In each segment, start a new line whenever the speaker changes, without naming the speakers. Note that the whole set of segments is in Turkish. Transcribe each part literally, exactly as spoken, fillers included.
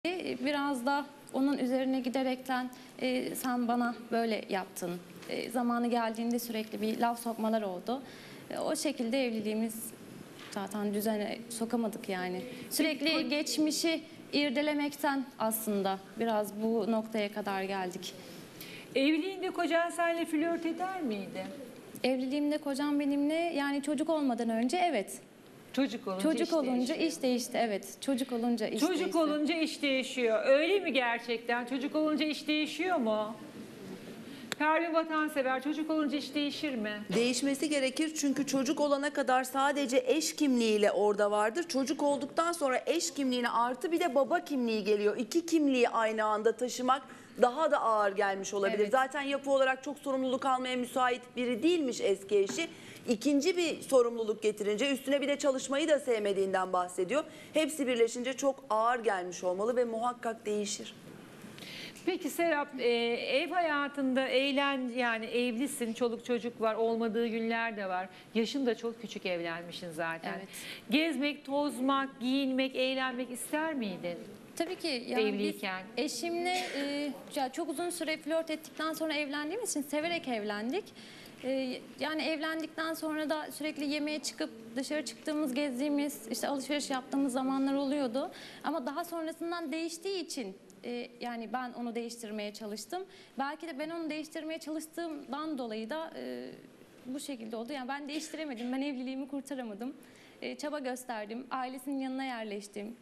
Biraz da onun üzerine giderekten e, sen bana böyle yaptın. E, zamanı geldiğinde sürekli bir laf sokmalar oldu. E, o şekilde evliliğimiz zaten düzene sokamadık yani. Sürekli geçmişi irdelemekten aslında biraz bu noktaya kadar geldik.
Evliliğinde kocan seninle flört eder miydi?
Evliliğimde kocam benimle yani çocuk olmadan önce evet.
Çocuk olunca
Çocuk
iş
olunca
değişiyor.
iş değişti evet. Çocuk olunca iş
Çocuk
değişti.
olunca iş değişiyor. Öyle mi gerçekten? Çocuk olunca iş değişiyor mu? Pervin Vatansever, çocuk olunca iş değişir mi?
Değişmesi gerekir çünkü çocuk olana kadar sadece eş kimliğiyle orada vardır. Çocuk olduktan sonra eş kimliğine artı bir de baba kimliği geliyor. İki kimliği aynı anda taşımak daha da ağır gelmiş olabilir.
Evet.
Zaten yapı olarak çok sorumluluk almaya müsait biri değilmiş eski eşi. İkinci bir sorumluluk getirince üstüne bir de çalışmayı da sevmediğinden bahsediyor. Hepsi birleşince çok ağır gelmiş olmalı ve muhakkak değişir.
Peki Serap, e, ev hayatında eğlen yani evlisin, çoluk çocuk var, olmadığı günler de var. Yaşın da çok küçük, evlenmişsin zaten.
Evet.
Gezmek, tozmak, giyinmek, eğlenmek ister miydin?
Tabii ki yani
Evliyken.
biz eşimle e, ya çok uzun süre flört ettikten sonra evlendiğimiz için severek evlendik. E, yani evlendikten sonra da sürekli yemeğe çıkıp dışarı çıktığımız, gezdiğimiz, işte alışveriş yaptığımız zamanlar oluyordu. Ama daha sonrasından değiştiği için e, yani ben onu değiştirmeye çalıştım. Belki de ben onu değiştirmeye çalıştığımdan dolayı da e, bu şekilde oldu. Yani ben değiştiremedim, ben evliliğimi kurtaramadım. E, çaba gösterdim, ailesinin yanına yerleştim.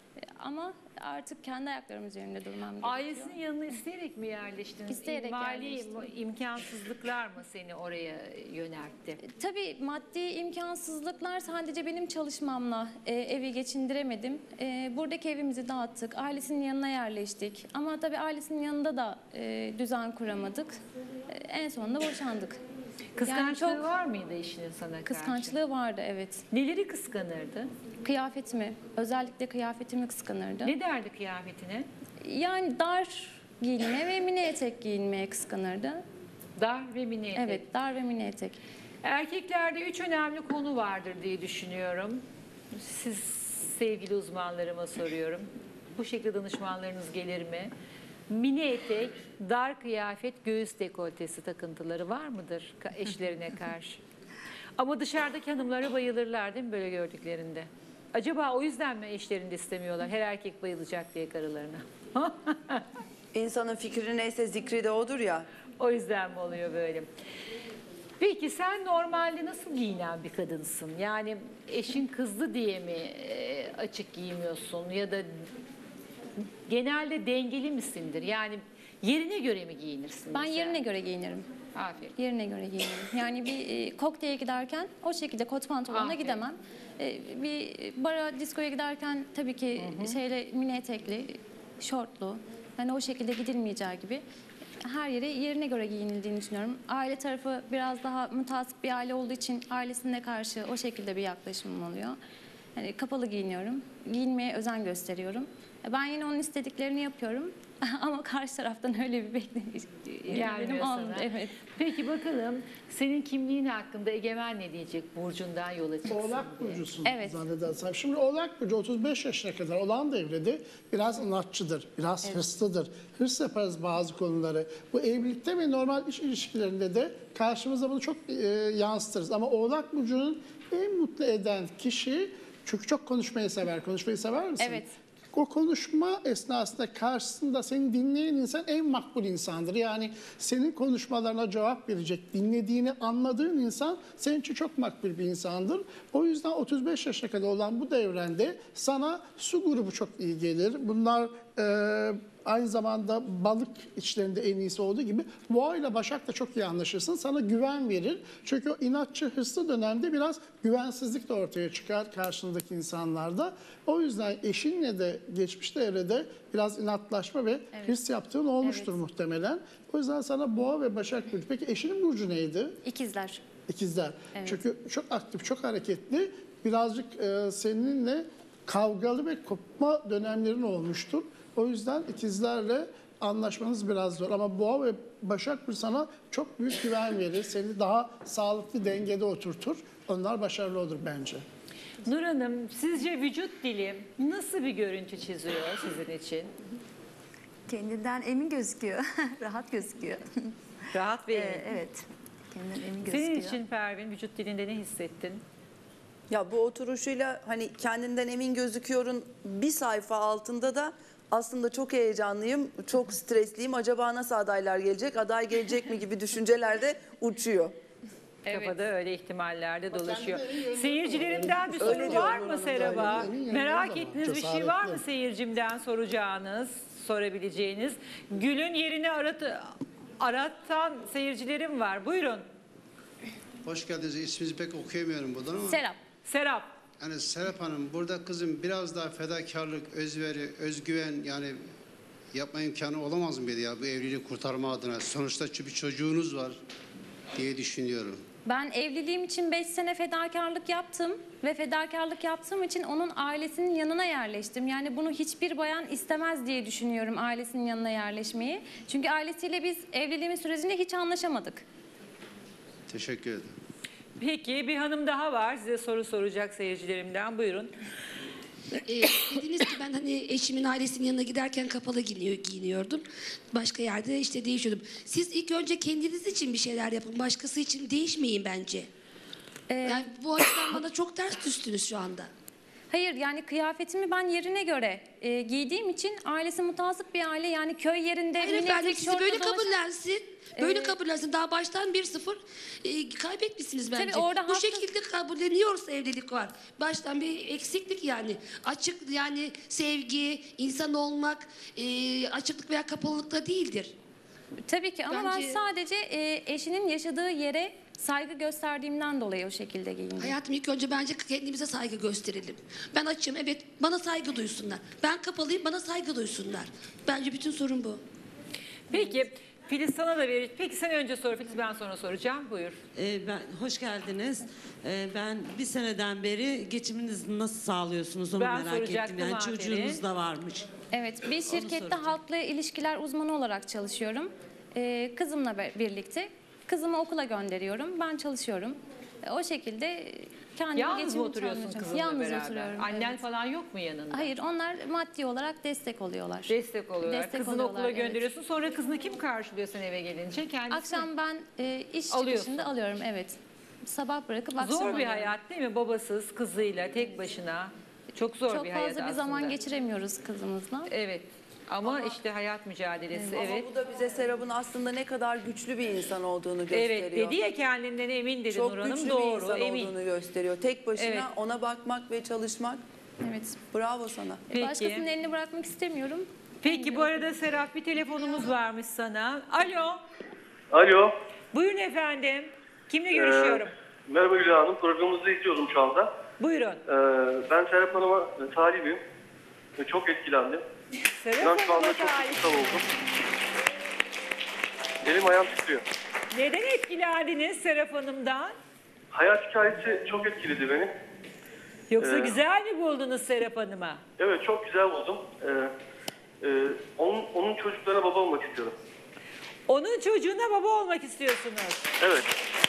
Ama artık kendi ayaklarım üzerinde durmam gerekiyor.
Ailesinin yanına isteyerek mi yerleştiniz?
İsteyerek
Mali
yerleştim.
imkansızlıklar mı seni oraya yöneltti?
Tabii maddi imkansızlıklar sadece benim çalışmamla e, evi geçindiremedim. E, buradaki evimizi dağıttık, ailesinin yanına yerleştik. Ama tabii ailesinin yanında da e, düzen kuramadık. E, en sonunda boşandık.
Kıskançlığı
Yani çok
var mıydı eşinin sana karşı?
kıskançlığı vardı evet.
Neleri kıskanırdı?
Kıyafetimi, özellikle kıyafetimi kıskanırdı.
Ne derdi kıyafetine?
Yani dar giyinme ve mini etek giyinmeye kıskanırdı.
Dar ve mini etek.
Evet, dar ve mini etek.
Erkeklerde üç önemli konu vardır diye düşünüyorum. Siz sevgili uzmanlarıma soruyorum. Bu şekilde danışmanlarınız gelir mi? Mini etek, dar kıyafet, göğüs dekoltesi takıntıları var mıdır eşlerine karşı? Ama dışarıdaki hanımlara bayılırlar değil mi böyle gördüklerinde? Acaba o yüzden mi eşlerini de istemiyorlar? Her erkek bayılacak diye karılarına.
İnsanın fikri neyse zikri de odur ya.
O yüzden mi oluyor böyle? Peki sen normalde nasıl giyinen bir kadınsın? Yani eşin kızdı diye mi e, açık giymiyorsun ya da genelde dengeli misindir? Yani yerine göre mi giyinirsin?
Ben
mesela?
yerine göre giyinirim.
Aferin.
Yerine göre giyinirim. Yani bir e, kokteye giderken o şekilde kot pantolonla
Aferin.
gidemem. E, bir bara, diskoya giderken tabii ki şeyle mini etekli, şortlu. Hani o şekilde gidilmeyeceği gibi her yere yerine göre giyinildiğini düşünüyorum. Aile tarafı biraz daha mutasip bir aile olduğu için ailesine karşı o şekilde bir yaklaşımım oluyor. Yani kapalı giyiniyorum. Giyinmeye özen gösteriyorum. Ben yine onun istediklerini yapıyorum. Ama karşı taraftan öyle bir bekleniş
Gelmiyor sana.
olmadı. Evet.
Peki bakalım senin kimliğin hakkında Egemen ne diyecek Burcu'ndan yola çıksın
Oğlak
diye.
burcusun
Evet.
zannedersem. Şimdi Oğlak burcu otuz beş yaşına kadar olan devrede biraz inatçıdır, biraz hırslıdır. Hırs yaparız bazı konuları. Bu evlilikte ve normal iş ilişkilerinde de karşımıza bunu çok e, yansıtırız. Ama Oğlak burcunun en mutlu eden kişi, çünkü çok konuşmayı sever. Konuşmayı sever misin?
Evet.
O konuşma esnasında karşısında seni dinleyen insan en makbul insandır. Yani senin konuşmalarına cevap verecek, dinlediğini anladığın insan senin için çok makbul bir insandır. O yüzden otuz beş yaşına kadar olan bu devrende sana su grubu çok iyi gelir. Bunlar e, aynı zamanda balık içlerinde en iyisi olduğu gibi Boğa ile Başak da çok iyi anlaşırsın. Sana güven verir. Çünkü o inatçı, hırslı dönemde biraz güvensizlik de ortaya çıkar karşındaki insanlarda. O yüzden eşinle de geçmişte evrede biraz inatlaşma ve
Evet.
hırs yaptığın olmuştur
Evet.
muhtemelen. O yüzden sana Boğa ve Başak burcu. Peki eşinin burcu neydi?
İkizler.
İkizler.
Evet.
Çünkü çok aktif, çok hareketli. Birazcık e, seninle kavgalı ve kopma dönemlerin olmuştur. O yüzden ikizlerle anlaşmanız biraz zor. Ama Boğa ve Başak burcu sana çok büyük güven verir. Seni daha sağlıklı dengede oturtur. Onlar başarılı olur bence.
Nur Hanım, sizce vücut dili nasıl bir görüntü çiziyor sizin için?
Kendinden emin gözüküyor. Rahat gözüküyor.
Rahat ve
Ee,
emin.
evet. Kendinden emin gözüküyor.
Senin için Pervin vücut dilinde ne hissettin?
Ya bu oturuşuyla hani kendinden emin gözüküyorun bir sayfa altında da aslında çok heyecanlıyım, çok stresliyim. Acaba nasıl adaylar gelecek, aday gelecek mi gibi düşüncelerde uçuyor.
Kafada öyle ihtimallerde dolaşıyor.
kendine en yönleri
Seyircilerimden bir
Öyle
soru
diyor
var
Nur
mı
Hanım,
Serap'a?
öyle. En yönleri
Merak
de var.
ettiğiniz bir şey var mı
Cesaretli.
seyircimden soracağınız, sorabileceğiniz? Gül'ün yerini aratı, aratan seyircilerim var. Buyurun.
Hoş geldiniz. İsminizi pek okuyamıyorum buradan ama.
Serap.
Serap.
Yani Serap Hanım burada kızım biraz daha fedakarlık, özveri, özgüven yani yapma imkanı olamaz mıydı ya bu evliliği kurtarma adına? Sonuçta bir çocuğunuz var diye düşünüyorum.
Ben evliliğim için beş sene fedakarlık yaptım ve fedakarlık yaptığım için onun ailesinin yanına yerleştim. Yani bunu hiçbir bayan istemez diye düşünüyorum, ailesinin yanına yerleşmeyi. Çünkü ailesiyle biz evliliğimiz sürecinde hiç anlaşamadık.
Teşekkür ederim.
Peki bir hanım daha var. Size soru soracak seyircilerimden. Buyurun.
Ee, dediniz ki ben hani eşimin ailesinin yanına giderken kapalı giyiniyor, giyiniyordum. Başka yerde işte değişiyordum. Siz ilk önce kendiniz için bir şeyler yapın. Başkası için değişmeyin bence.
Ee,
Yani bu açıdan bana çok ters düştünüz şu anda.
Hayır, yani kıyafetimi ben yerine göre e, giydiğim için ailesi mutasip bir aile, yani köy yerinde
Hayır
mini
efendim
etek,
sizi
şortla
böyle
dolaşan-
kabullensin. Böyle
Ee,
kabullensin. Daha baştan bir sıfır e, kaybetmişsiniz bence.
Tabii orada
Bu
haklı-
şekilde kabulleniyorsa evlilik var. Baştan bir eksiklik yani. Açık yani sevgi, insan olmak e, açıklık veya kapalılıkta değildir.
Tabii ki ama
Bence-
ben sadece e, eşinin yaşadığı yere saygı gösterdiğimden dolayı o şekilde giyindim.
Hayatım ilk önce bence kendimize saygı gösterelim. Ben açım evet bana saygı duysunlar. Ben kapalıyım bana saygı duysunlar. Bence bütün sorun bu.
Peki Filiz sana da verir. Peki sen önce sor Filiz, ben sonra soracağım. Buyur.
Ee, ben hoş geldiniz. Ee, ben bir seneden beri geçiminizi nasıl sağlıyorsunuz onu
Ben
merak ettim.
soracaktım,
Yani
aferin.
çocuğunuz da varmış.
Evet, bir şirkette
soracağım.
halkla ilişkiler uzmanı olarak çalışıyorum. E, kızımla be- birlikte. Kızımı okula gönderiyorum, ben çalışıyorum. E, o şekilde kendimi
Yalnız mı
geçimimi
oturuyorsun
sağlayacağım.
kızınla
Yalnız
beraber?
oturuyorum.
Annen
evet.
falan yok mu yanında?
Hayır, onlar maddi olarak destek oluyorlar.
Destek oluyorlar.
Destek
Kızını
oluyorlar,
okula
evet.
gönderiyorsun. Sonra kızını kim karşılıyor sen eve gelince? Kendisi.
Akşam ben e, iş
Alıyorsun.
çıkışında alıyorum, evet. Sabah bırakıp akşam
Zor bir
alıyorum.
hayat değil mi? Babasız, kızıyla, tek başına. Çok zor
Çok
bir
fazla
hayat
bir
aslında.
zaman geçiremiyoruz kızımızla.
Evet. Ama, işte hayat mücadelesi. Evet.
Ama bu da bize Serap'ın aslında ne kadar güçlü bir insan olduğunu gösteriyor.
Evet dedi ya, kendinden emin dedi
Çok
Nur Hanım.
güçlü bir
Doğru,
insan
emin.
olduğunu gösteriyor. Tek başına
Evet.
ona bakmak ve çalışmak.
Evet.
Bravo sana.
Peki.
Başkasının elini bırakmak istemiyorum.
Peki bu arada Serap bir telefonumuz varmış sana. Alo.
Alo.
Buyurun efendim. Kimle görüşüyorum?
Ee, merhaba Gülay Hanım. Programınızı izliyorum şu anda.
Buyurun.
Ee, ben Serap Hanım'a e, talibim. Ve çok etkilendim.
Serap
İnan şu anda
Hanım'a
çok
talip.
duygusal oldum. Elim ayağım titriyor.
Neden etkilendiniz Serap Hanım'dan?
Hayat hikayesi çok etkiledi beni.
Yoksa
Ee,
güzel mi buldunuz Serap Hanım'a?
Evet, çok güzel buldum. Ee, e, onun, onun çocuklarına baba olmak istiyorum.
Onun çocuğuna baba olmak istiyorsunuz.
Evet.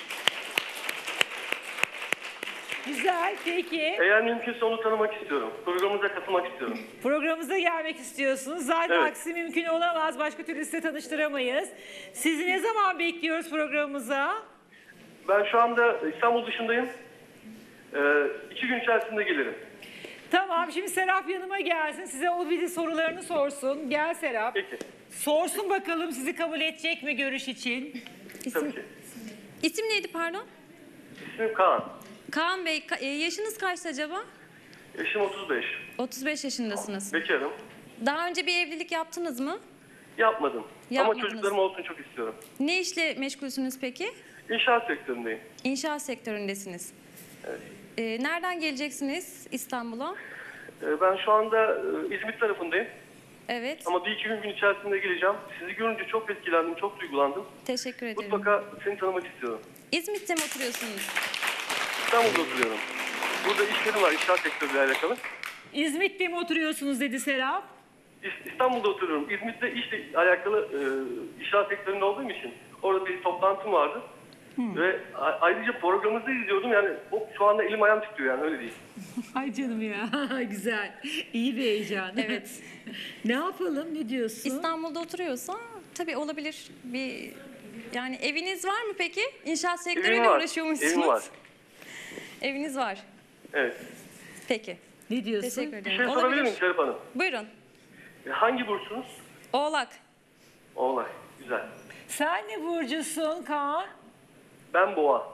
Güzel, peki.
Eğer mümkünse onu tanımak istiyorum. Programınıza katılmak istiyorum.
Programımıza gelmek istiyorsunuz. Zaten
Evet.
aksi mümkün olamaz. Başka türlü size tanıştıramayız. Sizi ne zaman bekliyoruz programımıza?
Ben şu anda İstanbul dışındayım. Ee, iki gün içerisinde gelirim.
Tamam, şimdi Serap yanıma gelsin. Size o bir sorularını sorsun. Gel Serap.
Peki.
Sorsun bakalım sizi kabul edecek mi görüş için?
Tabii
İsim,
ki.
isim neydi pardon?
İsmim Kaan.
Kaan Bey, ka- e, yaşınız kaçtı acaba?
Yaşım otuz beş.
otuz beş yaşındasınız.
Bekarım.
Daha önce bir evlilik yaptınız mı?
Yapmadım.
Yapmadınız.
Ama çocuklarım olsun çok istiyorum.
Ne işle meşgulsünüz peki?
İnşaat sektöründeyim.
İnşaat sektöründesiniz. Ee, nereden geleceksiniz İstanbul'a?
Ee, ben şu anda e, İzmit tarafındayım.
Evet,
Ama bir iki gün, gün içerisinde geleceğim. Sizi görünce çok etkilendim, çok duygulandım.
teşekkür ederim.
Mutlaka seni tanımak istiyorum.
İzmit'te mi oturuyorsunuz?
İstanbul'da oturuyorum. Burada işlerim var inşaat sektörüyle alakalı.
İzmit'te mi oturuyorsunuz dedi Serap.
İs- İstanbul'da oturuyorum. İzmit'te işle alakalı e, inşaat sektöründe olduğum için orada bir toplantım vardı. Ve a- ayrıca programınızı izliyordum yani o, şu anda elim ayağım titriyor yani öyle değil.
Ay canım ya. Güzel. İyi bir heyecan.
Evet.
Ne yapalım? Ne diyorsun?
İstanbul'da oturuyorsa tabii olabilir. Bir yani eviniz var mı peki? İnşaat sektörüyle
var,
uğraşıyormuşsunuz.
evim var.
Eviniz var.
Evet.
Peki.
Ne diyorsun?
Teşekkür
Bir
ederim.
şey sorabilir
Olabilir.
miyim Serap Hanım?
Buyurun.
E, Hangi burçsunuz?
Oğlak.
Oğlak. Güzel.
Sen ne burcusun Kaan?
Ben boğa.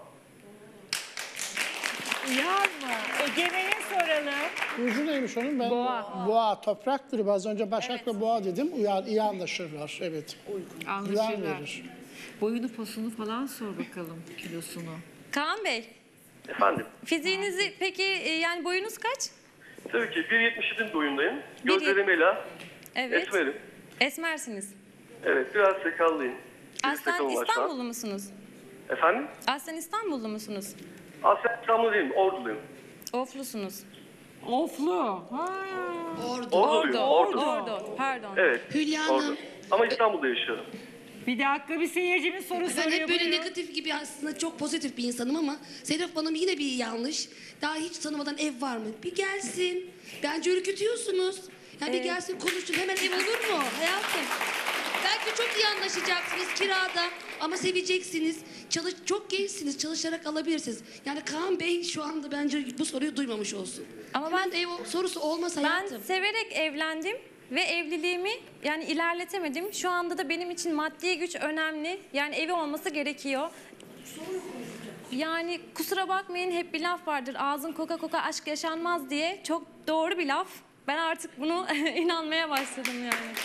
Yar mı? Egemen'e soralım.
Burcu neymiş onun? Ben
Boğa.
Boğa toprak grubu. Az önce Başak ve Boğa dedim. Uyar, iyi anlaşırlar. Evet. Güven
Anlaşırlar.
verir.
Boyunu posunu falan sor bakalım, kilosunu.
Kaan Bey,
Efendim?
fiziğinizi peki e, yani boyunuz kaç?
Tabii ki bir yetmiş yedi boyundayım.
Bir
Gözlerim ela.
Evet.
Esmerim.
Esmersiniz.
Evet biraz sakallıyım. Bir
Aslen
sakalım var şu an.
İstanbullu musunuz?
Efendim?
Aslen İstanbullu musunuz?
Aslen İstanbul değilim. Orduluyum.
Oflusunuz.
Oflu. Ha.
Orduluyum. Ordu.
Ordu. Pardon.
Evet.
Hülya
Ordu.
Hanım.
Ama İstanbul'da yaşıyorum.
Bir dakika bir seyircimiz soru
Ben
soruyor.
hep böyle
Buyurun.
negatif gibi aslında çok pozitif bir insanım ama Serap Hanım yine bir yanlış. Daha hiç tanımadan ev var mı? Bir gelsin. Bence ürkütüyorsunuz. Yani bir gelsin konuşsun. Hemen ev olur mu hayatım? Belki çok iyi anlaşacaksınız kirada ama seveceksiniz. Çalış, çok gençsiniz. Çalışarak alabilirsiniz. Yani Kaan Bey şu anda bence bu soruyu duymamış olsun.
Ama
Hemen
ben-
ev sorusu olmaz
Ben
hayatım.
severek evlendim ve evliliğimi yani ilerletemedim. Şu anda da benim için maddi güç önemli. Yani evi olması gerekiyor. Yani kusura bakmayın hep bir laf vardır. Ağzın koka koka aşk yaşanmaz diye. Çok doğru bir laf. Ben artık bunu inanmaya başladım yani.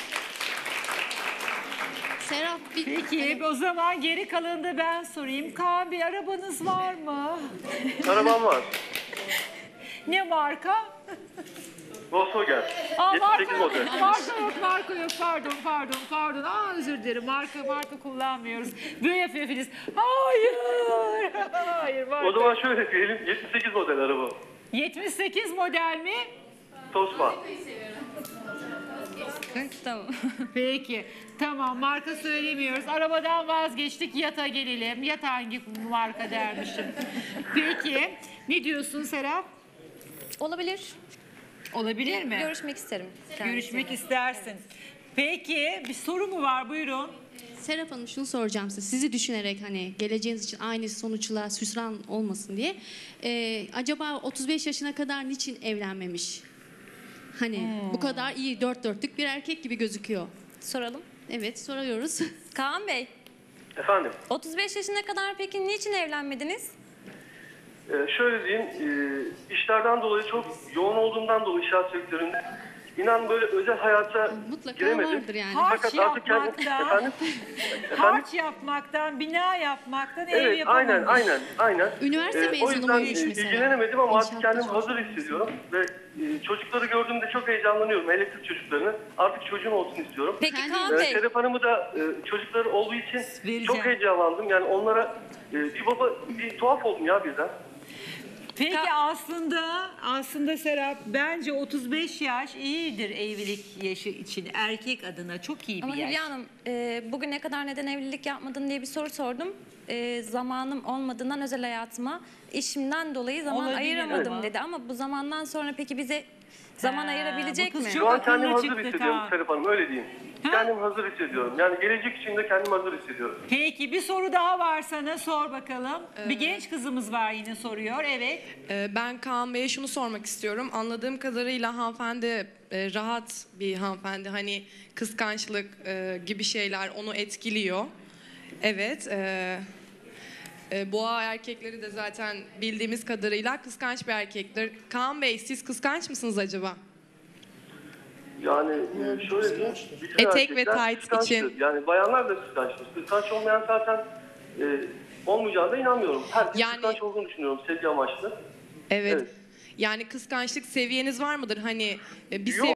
Serap bir
Peki o zaman geri kalanını da ben sorayım. Kaan bir arabanız var mı?
Arabam var.
Ne marka?
Volkswagen.
Aa,
yetmiş
marka
sekiz
yok,
model.
marka yok, marka yok. Pardon, pardon, pardon. Aa, özür dilerim. Marka, marka kullanmıyoruz. Böyle yapıyor Filiz. Hayır, hayır. Marka.
O zaman şöyle diyelim. yetmiş sekiz model araba.
yetmiş sekiz model mi?
Tosma.
Tamam.
Peki. Tamam, marka söylemiyoruz. Arabadan vazgeçtik. Yata gelelim. Yat hangi marka dermişim. Peki. Ne diyorsun Serap?
Olabilir.
Olabilir mi?
Görüşmek isterim. kendisiyle.
Görüşmek istersin. Peki, bir soru mu var? Buyurun.
Serap Hanım şunu soracağım size. Sizi düşünerek hani geleceğiniz için aynı sonuçla hüsran olmasın diye. Ee, acaba otuz beş yaşına kadar niçin evlenmemiş? Hani bu kadar iyi dört dörtlük bir erkek gibi gözüküyor.
Soralım.
Evet soruyoruz.
Kaan Bey,
Efendim?
otuz beş yaşına kadar peki niçin evlenmediniz?
Ee, şöyle diyeyim. E, işlerden dolayı çok yoğun olduğumdan dolayı inşaat sektöründe inan böyle özel hayata
Mutlaka
giremedim.
vardır yani.
Harç
Fakat artık kendim...
yapmaktan,
Efendim? Efendim?
harç yapmaktan, bina yapmaktan ev
Evet,
yapamamış.
aynen, aynen, aynen.
Üniversite
Ee, o
mezunu
yüzden
muymuş
e,
mesela?
ilgilenemedim ama artık
İnşaatta
kendimi hazır hissediyorum ve e, çocukları gördüğümde çok heyecanlanıyorum, elektrik çocuklarını. Artık çocuğum olsun istiyorum.
Peki
Kendi-
Kaan
Ee,
Bey,
Serap Hanım'ı da e, çocukları olduğu için
Vereceğim.
çok heyecanlandım. Yani onlara e, bir baba, bir tuhaf oldum ya birden.
Peki
Ka-
aslında aslında Serap bence otuz beş yaş iyidir evlilik yaşı için erkek adına çok iyi bir
ama
yaş.
Hülya Hanım e, bugüne kadar neden evlilik yapmadın diye bir soru sordum. E, zamanım olmadığından özel hayatıma işimden dolayı zaman
Olabilir
ayıramadım
ama.
dedi. Ama bu zamandan sonra peki bize zaman
Ha,
ayırabilecek
bu kız
mi?
çok-
Şu an kendimi
akıllı
hazır
çıktı,
hissediyorum
tamam.
Serap Hanım, öyle diyeyim. Kendimi hazır hissediyorum. Yani gelecek için de kendimi hazır hissediyorum.
Peki bir soru daha var sana sor bakalım. Bir genç kızımız var yine soruyor evet.
Ee, Ben Kaan Bey'e şunu sormak istiyorum. Anladığım kadarıyla hanımefendi e, rahat bir hanımefendi. Hani kıskançlık e, gibi şeyler onu etkiliyor. Evet. e, e, Boğa erkekleri de zaten bildiğimiz kadarıyla kıskanç bir erkektir. Kaan Bey siz kıskanç mısınız acaba?
Yani e, şöyle diyeyim. bütün
Etek ve
erkekler
tight
kıskançtır.
için.
Yani bayanlar da kıskançtır. Kıskanç olmayan zaten e, olmayacağına inanmıyorum. Herkes
Yani-
kıskanç olduğunu düşünüyorum sevgi amaçlı.
Evet.
Evet.
Yani kıskançlık seviyeniz var mıdır? Hani e, bir
Yok.